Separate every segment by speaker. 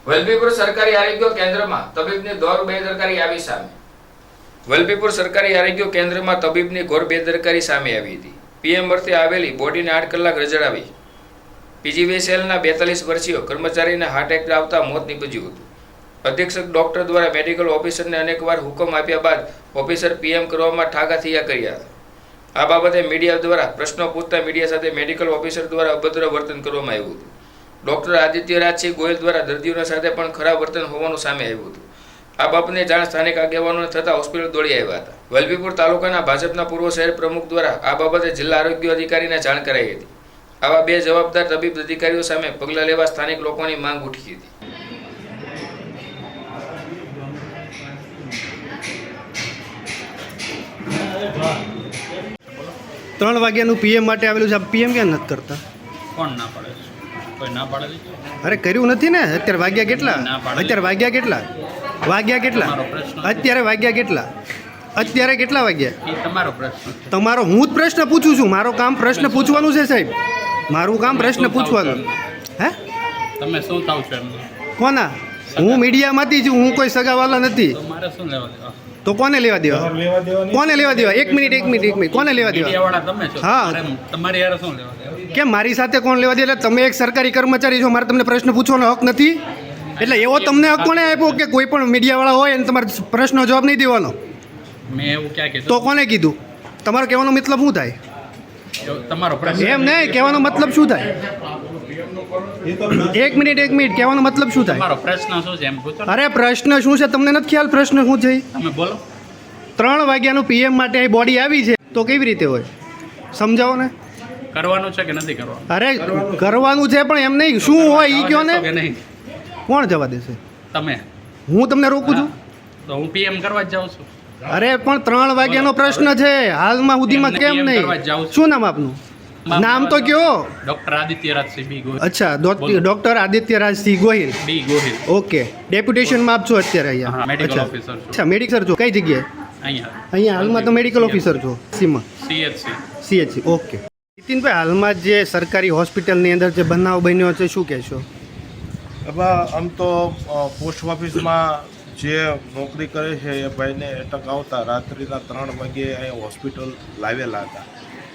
Speaker 1: વલભીપુર સરકારી આરોગ્ય કેન્દ્રમાં તબીબની ઘોર બેદરકારી આવી સામે. વલભીપુર સરકારી આરોગ્ય કેન્દ્રમાં તબીબની ઘોર બેદરકારી સામે આવી હતી. પીએમ વર્તે આવેલી બોડીને 8 કલાક રજડાવી. પીજીવીસીએલના 42 વર્ષીય કર્મચારીને હાર્ટ એટેક આવતા મોત નીપજ્યું હતું. અધિક્ષક ડોક્ટર દ્વારા મેડિકલ ઓફિસરને અનેકવાર હુકમ આપ્યા બાદ ઓફિસર પીએમ કરવામાં ઠાગા થયા કર્યા હતા. આ બાબતે મીડિયા દ્વારા પ્રશ્નો પૂછતા મીડિયા સાથે મેડિકલ ઓફિસર દ્વારા અભદ્ર વર્તન કરવામાં આવ્યું હતું. ડોક્ટર આદિત્ય રાજસિંહ ગોયલ દ્વારા દર્દીઓના સાથે પણ ખરાબ વર્તન હોવાનું સામે આવ્યું હતું. આ બાબતને જાણ સ્થાનિક આગેવાનોને થતાં હોસ્પિટલ દોડી આવ્યા હતા. વલભીપુર તાલુકાના ભાજપના પૂર્વ શહેર પ્રમુખ દ્વારા આ બાબતે જિલ્લા આરોગ્ય અધિકારીને જાણ કરાઈ હતી. આવા બે જવાબદાર તબીબ અધિકારીઓ સામે પગલાં લેવા સ્થાનિક લોકોની માંગ ઉઠી હતી.
Speaker 2: ત્રણ વાગ્યાનું પીએમ માટે આવેલું છે. પીએમ ક્યાં નથી કરતા?
Speaker 3: કોણ ના પાડે છે? કોઈ ના પાડે છે?
Speaker 2: અરે કર્યું નથી ને. અત્યારે વાગ્યા કેટલા? અત્યારે વાગ્યા કેટલા? વાગ્યા કેટલા? અત્યારે વાગ્યા કેટલા? અત્યારે કેટલા વાગ્યા?
Speaker 3: એ તમારો પ્રશ્ન.
Speaker 2: તમારો હું જ પ્રશ્ન પૂછું છું. મારો કામ પ્રશ્ન પૂછવાનું છે સાહેબ. મારું કામ પ્રશ્ન પૂછવાનું. હે
Speaker 3: તમે શું થાવ છો એમ?
Speaker 2: કોના? હું મીડિયામાંથી છું. હું કોઈ સગાવાલા નથી.
Speaker 3: તો મારે શું લેવા દેવા?
Speaker 2: તો કોને લેવા દેવા? કોને લેવા દેવા? એક મિનિટ કોને લેવા દેવા?
Speaker 3: મીડિયાવાળા તમે છો.
Speaker 2: હા.
Speaker 3: તમારી યાર શું લેવા દેવા?
Speaker 2: કેમ મારી સાથે કોણ લેવા દે? એટલે તમે એક સરકારી કર્મચારી છો, મારે તમને પ્રશ્ન પૂછવાનો હક નથી. એટલે એવો તમને હક કોને આપ્યો કે કોઈ પણ મીડિયાવાળા હોય અને તમારે પ્રશ્નનો જવાબ નહીં દેવાનો?
Speaker 3: મેં એવું ક્યાં કીધું?
Speaker 2: તો કોને કીધું? તમારો કહેવાનો મતલબ શું થાય?
Speaker 3: તમારો પ્રશ્ન.
Speaker 2: એમ નહીં, કહેવાનો મતલબ શું થાય? એક મિનિટ કહેવાનો મતલબ શું થાય?
Speaker 3: તમારો પ્રશ્ન શું છે એમ પૂછો.
Speaker 2: અરે પ્રશ્ન શું છે તમને નથી ખ્યાલ? પ્રશ્ન શું છે?
Speaker 3: તમે બોલો.
Speaker 2: 3 વાગ્યાનું પીએમ માટે અહીં બોડી આવી છે તો કેવી રીતે હોય? સમજાવો ને.
Speaker 3: કરવાનું છે કે નથી કરવાનું?
Speaker 2: અરે કરવાનું છે પણ એમ નહીં, શું હોય એ કહો ને.
Speaker 3: કે નહીં?
Speaker 2: કોણ જવા દેશે?
Speaker 3: તમે.
Speaker 2: હું તમને રોકું છું?
Speaker 3: તો હું પીએમ કરવા જ જાઉં છું.
Speaker 2: અરે પણ 3 વાગ્યાનો પ્રશ્ન છે. હાલમાં સુધીમાં કેમ
Speaker 3: એમ
Speaker 2: નહીં?
Speaker 3: કરવા જ જાઉં છું.
Speaker 2: શું નામ આપનું? નામ તો કયો?
Speaker 3: Doctor Aditya Rajsinh B Gohil.
Speaker 2: અચ્છા, doctor Aditya Rajsinh Gohil.
Speaker 3: B Gohil.
Speaker 2: Okay, ડેપ્યુટેશનમાં આપ છો અત્યારે
Speaker 3: હા,
Speaker 2: અહીંયા?
Speaker 3: મેડિકલ
Speaker 2: અચ્છા.
Speaker 3: ઓફિસર છું.
Speaker 2: અચ્છા, મેડિકલ છો કઈ જગ્યાએ?
Speaker 3: અહીંયા
Speaker 2: અહીંયા હાલમાં તો મેડિકલ ઓફિસર છો Sima
Speaker 3: CHC.
Speaker 2: CHC. Okay. Nitinbhai, હાલમાં જે સરકારી હોસ્પિટલની અંદર જે બનાવ બન્યો છે શું કહેશો?
Speaker 4: એમાં આમ તો પોસ્ટ ઓફિસમાં જે નોકરી કરે છે એ ભાઈને એટક આવતા રાત્રિના 3 વાગ્યે અહીંયા હોસ્પિટલ લાવેલા હતા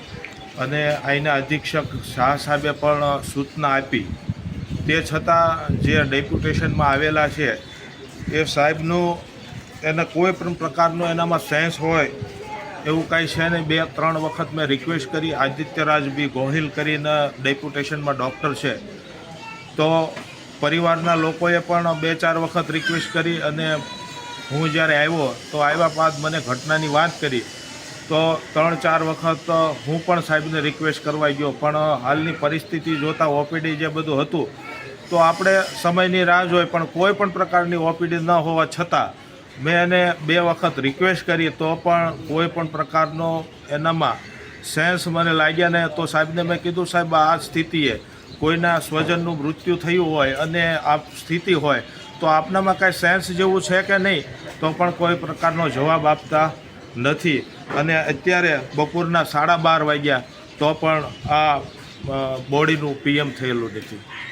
Speaker 4: અને અહીંના અધિક્ષક શાહ સાહેબે પણ સૂચના આપી. તે છતાં જે ડેપ્યુટેશનમાં આવેલા છે એ સાહેબનું એને કોઈ પણ પ્રકારનો એનામાં સેન્સ હોય એવું કાંઈ છે નહીં. 2-3 વખત મેં રિક્વેસ્ટ કરી. આદિત્યરાજ બી ગોહિલ કરીને ડેપ્યુટેશનમાં ડૉક્ટર છે, તો પરિવારના લોકોએ પણ 2-4 વખત રિક્વેસ્ટ કરી અને હું જ્યારે આવ્યો તો આવ્યા બાદ મને ઘટનાની વાત કરી તો 3-4 વખત હું પણ સાહેબને રિક્વેસ્ટ કરવા ગયો. પણ હાલની પરિસ્થિતિ જોતાં ઓપીડી જે બધું હતું તો આપણે સમયની રાહ જોઈ, પણ કોઈ પણ પ્રકારની ઓપીડી ન હોવા છતાં મેં એને 2 વખત રિક્વેસ્ટ કરી તો પણ કોઈ પણ પ્રકારનો એનામાં સેન્સ મને લાગ્યા ને. તો સાહેબને મેં કીધું, સાહેબ આ સ્થિતિએ કોઈના સ્વજનનું મૃત્યુ થયું હોય અને આ સ્થિતિ હોય તો આપનામાં કાંઈ સેન્સ જેવું છે કે નહીં? તો પણ કોઈ પ્રકારનો જવાબ આપતા નથી. અને અત્યારે બપોરના 12:30 વાગ્યા તો પણ આ બોડીનું પીએમ થયેલું નથી.